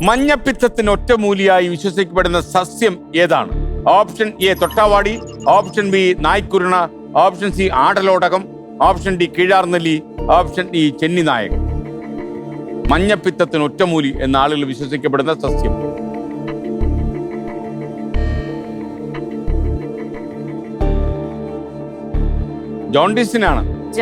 മഞ്ഞപ്പിത്തത്തിന് ഒറ്റമൂലിയായി വിശ്വസിക്കപ്പെടുന്ന സസ്യം ഏതാണ്? ഓപ്ഷൻ എ തൊട്ടാവാടി, ഓപ്ഷൻ ബി നായ്ക്കുരുണ, ഓപ്ഷൻ സി ആടലോടകം, ഓപ്ഷൻ ഡി കീഴാർനെല്ലി, ഓപ്ഷൻ ഡി ചെന്നിനായകൻ. മഞ്ഞപ്പിത്തത്തിന് ഒറ്റമൂലി എന്ന ആളുകൾ വിശ്വസിക്കപ്പെടുന്ന സസ്യം. ജോണ്ടിസിനാണ്.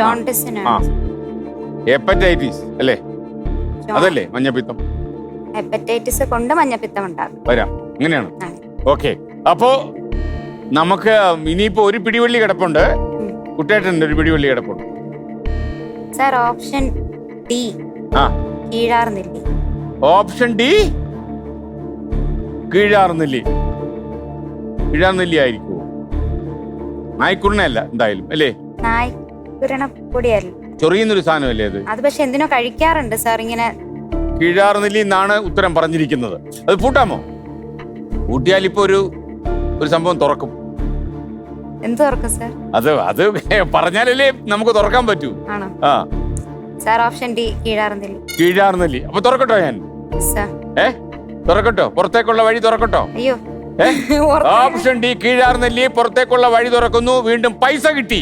ഹെപ്പറ്റൈറ്റിസ് അല്ലേ? അതല്ലേ മഞ്ഞപ്പിത്തം? ഹെപ്പറ്റൈറ്റിസ് കൊണ്ട് മഞ്ഞപ്പിത്തം ഉണ്ടാകും. വരാം, അങ്ങനെയാണ്. ഓക്കെ, അപ്പോ നമുക്ക് ഇനിയിപ്പോ ഒരു പിടിവള്ളി കിടപ്പുണ്ട്. കുട്ടേട്ടൻ്റെ ഒരു പിടിവള്ളി കിടപ്പുണ്ട്. സർ ഓപ്ഷൻ ഡി കീഴാർനെല്ലി. ഓപ്ഷൻ ഡി കീഴാർനെല്ലി. കീഴാർനെല്ലി ആയിരിക്കുമോ? നായ്ക്കുരുണയല്ല എന്തായാലും അല്ലേ? നായ്ക്കുരുണ പൊടിയല്ല, ചൊറിയുന്നൊരു സാധനമല്ലേ അത്? അത് പക്ഷെ എന്തിനോ കഴിക്കാറുണ്ട് സാർ ഇങ്ങനെ. കീഴാർനെല്ലി എന്നാണ് ഉത്തരം പറഞ്ഞിരിക്കുന്നത്. അത് പൂട്ടാമോ? പൂട്ടിയാൽ ഇപ്പൊ ഒരു സംഭവം തുറക്കും. എന്ത് തുറക്കും സാർ? അത് പറഞ്ഞാലല്ലേ നമുക്ക് തുറക്കാൻ പറ്റൂ. ആണോ? സാർ ഓപ്ഷൻ ഡി കീഴാർനെല്ലി. കീഴാർനെല്ലി. അപ്പൊ തുറക്കട്ടോ ഞാൻ? തുറക്കട്ടോ? പുറത്തേക്കുള്ള വഴി തുറക്കട്ടോ? അയ്യോ, ഓപ്ഷൻ ഡി കീഴാർനെല്ലി. പുറത്തേക്കുള്ള വഴി തുറക്കുന്നു. വീണ്ടും പൈസ കിട്ടി.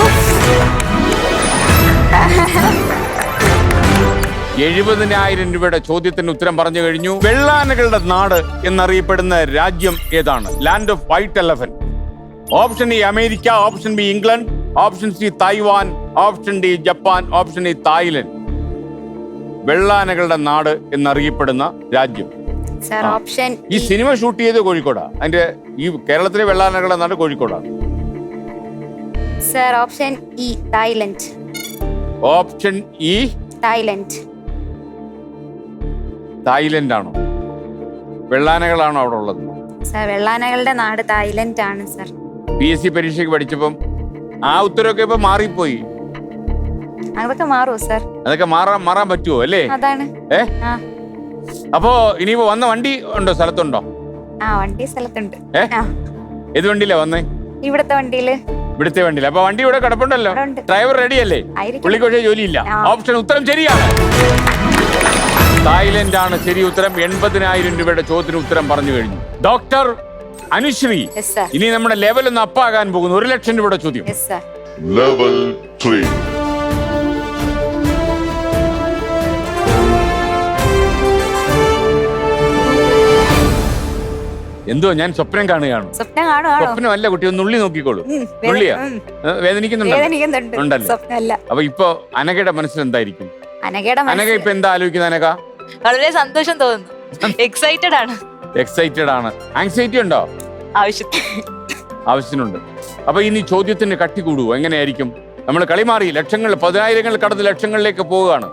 70,000 രൂപയുടെ ചോദ്യത്തിന് ഉത്തരം പറഞ്ഞു കഴിഞ്ഞു. വെള്ളാനകളുടെ നാട് എന്നറിയപ്പെടുന്ന രാജ്യം ഏതാണ്? Land of white elephant. Option E America, option B England, option C Taiwan, option D Japan, option E Thailand. വെള്ളാനകളുടെ നാട് എന്നറിയപ്പെടുന്ന രാജ്യം. ഈ സിനിമ ഷൂട്ട് ചെയ്ത് കോഴിക്കോടാ. അതിന്റെ ഈ കേരളത്തിലെ വെള്ളാനകളുടെ നാട് കോഴിക്കോടാണ്. Option E Thailand. Option E Thailand. Thailand ആണോ? വെള്ളാനകളാണോ അവിടെ ഉള്ളത്? സർ വെള്ളാനകളുടെ നാട് തായ്ലൻഡ് ആണ് സർ. PSC പരീക്ഷയ്ക്ക് പഠിച്ചപ്പം ആ ഉത്തരവൊക്കെ ഇപ്പൊ മാറിപ്പോയി. അതൊക്കെ മാറുമോ സർ? അതൊക്കെ മാറാൻ പറ്റുമോ അല്ലേ? അതാണ്. അപ്പോ ഇനിയിപ്പോ വന്ന വണ്ടി ഉണ്ടോ? സ്ഥലത്തുണ്ടോ? വണ്ടി സ്ഥലത്തുണ്ട്. ഏത് വണ്ടിയിലാ വന്നേ? ഇവിടുത്തെ വണ്ടിയില്. ഇവിടുത്തെ വണ്ടിയില്. അപ്പൊ വണ്ടി ഇവിടെ കിടപ്പുണ്ടല്ലോ. ഡ്രൈവർ റെഡി അല്ലേ? പുള്ളിക്ക് പക്ഷേ ജോലിയില്ല. ഓപ്ഷൻ ഉത്തരം ശരിയാണ്. തായ്ലൻഡ് ആണ് ശരി ഉത്തരം. 80,000 രൂപയുടെ ചോദ്യത്തിന് ഉത്തരം പറഞ്ഞു കഴിഞ്ഞു. ഡോക്ടർ അനുശ്രീ, ഇനി നമ്മുടെ ലെവൽ ഒന്ന് അപ്പാകാൻ പോകുന്നു. 1,00,000 രൂപയുടെ ചോദ്യം. ലെവൽ 3. എന്തോ ഞാൻ സ്വപ്നം കാണുകയാണ്. സ്വപ്നമല്ല കുട്ടി, ഒന്ന് നുള്ളി നോക്കിക്കോളൂ. നുള്ളിയാ? വേദനിക്കുന്നുണ്ടല്ലോ. അപ്പൊ ഇപ്പൊ അനഘയുടെ മനസ്സിൽ എന്തായിരിക്കും? അനഘ ഇപ്പൊ എന്താ ആലോചിക്കുന്നത്? അനഘ വളരെ സന്തോഷം തോന്നുന്നു. എക്സൈറ്റഡ് ആണ്. ആങ്സൈറ്റി ഉണ്ടോ? ആവശ്യത്തിനുണ്ട്. അപ്പൊ ഇനി ചോദ്യത്തിന് കട്ടി കൂടുവോ? എങ്ങനെയായിരിക്കും? നമ്മൾ കളി മാറി. ലക്ഷങ്ങൾ, 10,000 കടന്ന് ലക്ഷങ്ങളിലേക്ക് പോവുകയാണ്.